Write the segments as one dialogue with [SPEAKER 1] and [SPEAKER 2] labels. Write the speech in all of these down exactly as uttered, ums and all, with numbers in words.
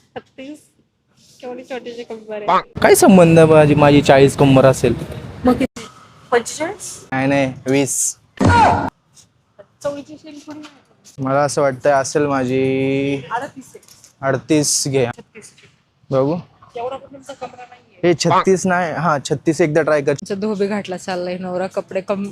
[SPEAKER 1] छत्तीस केवढी छोटीशी कंबर आहे.
[SPEAKER 2] काय संबंध माझी माझी चाळीस कंबर असेल?
[SPEAKER 1] मग किती? पंचेचाळीस.
[SPEAKER 2] नाही नाही वीस.
[SPEAKER 1] चौवेचाळीस थोडी नाही.
[SPEAKER 2] मला असं वाटतं असेल माझी
[SPEAKER 1] अडतीस आहे.
[SPEAKER 2] अडतीस घे
[SPEAKER 1] छत्तीस.
[SPEAKER 2] बघू.
[SPEAKER 1] एवढा पण तुमचा कमरा नाहीये.
[SPEAKER 2] हे छत्तीस नाही, हा छत्तीस एकदा ट्राय कर.
[SPEAKER 1] तुमचा धोबे घाटला चाललाय नवरा कपडे कम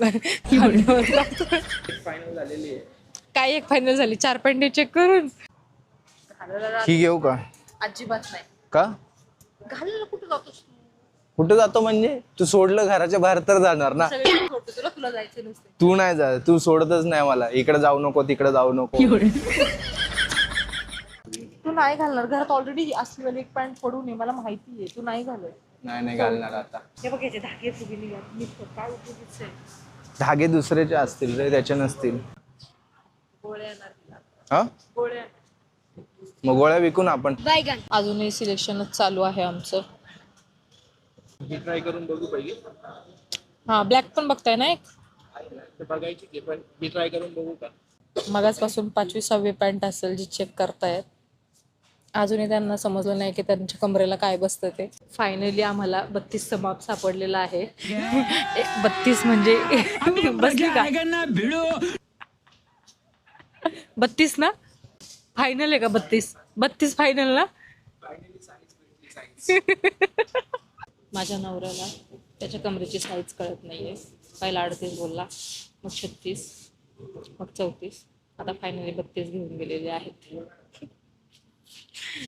[SPEAKER 2] फायनल झालेली आहे.
[SPEAKER 1] काय एक फायनल झाली चार पॉईंट चेक करून.
[SPEAKER 2] ही घेऊ का?
[SPEAKER 1] अजिबात नाही.
[SPEAKER 2] का?
[SPEAKER 1] घालायला कुठं जातोस तू?
[SPEAKER 2] कुठं जातो म्हणजे? तू सोडलं घराच्या बाहेर तर जाणार ना.
[SPEAKER 1] सगळे सोडतो तुला तुला जायचं नसते.
[SPEAKER 2] तू नाही जा, तू सोडतच नाही मला. इकडे जाऊ नको तिकडे जाऊ नको.
[SPEAKER 1] तू नाही घालणार घरात ऑलरेडी असलेलं एक पॅन्ट पडून आहे मला माहिती आहे तू नाही घालत.
[SPEAKER 2] नाही नाही घालणार आता.
[SPEAKER 1] हे बघ याचे धागे फुगे निघाले मी काय उपयोगीच आहे.
[SPEAKER 2] धागे दुसऱ्याचे असतील रे, त्याचे नसतील.
[SPEAKER 1] गोळ्या येणार तिला.
[SPEAKER 2] हा
[SPEAKER 1] गोळ्या.
[SPEAKER 2] मग गोळ्या विकून आपण.
[SPEAKER 1] अजूनही सिलेक्शनच चालू आहे आमचं.
[SPEAKER 2] ट्राय करून बघू पाहिजे.
[SPEAKER 1] हा ब्लॅक पण बघताय ना एक.
[SPEAKER 2] बघायची पण मी ट्राय करून बघू का?
[SPEAKER 1] मगाचपासून पाचवी सहावी पॅन्ट असेल जी चेक करतायत. अजूनही त्यांना समजलं नाही की त्यांच्या कमरेला काय बसतं ते. फायनली आम्हाला बत्तीसचं माप सापडलेलं आहे. बत्तीस म्हणजे बसली का? बत्तीस ना फायनल आहे का? बत्तीस बत्तीस फायनल ना. माझ्या नवऱ्याला त्याच्या कमरेची साईज कळत नाहीये. पहिला अडतीस बोलला, मग छत्तीस, मग चौतीस, आता फायनली बत्तीस घेऊन गेलेले आहेत.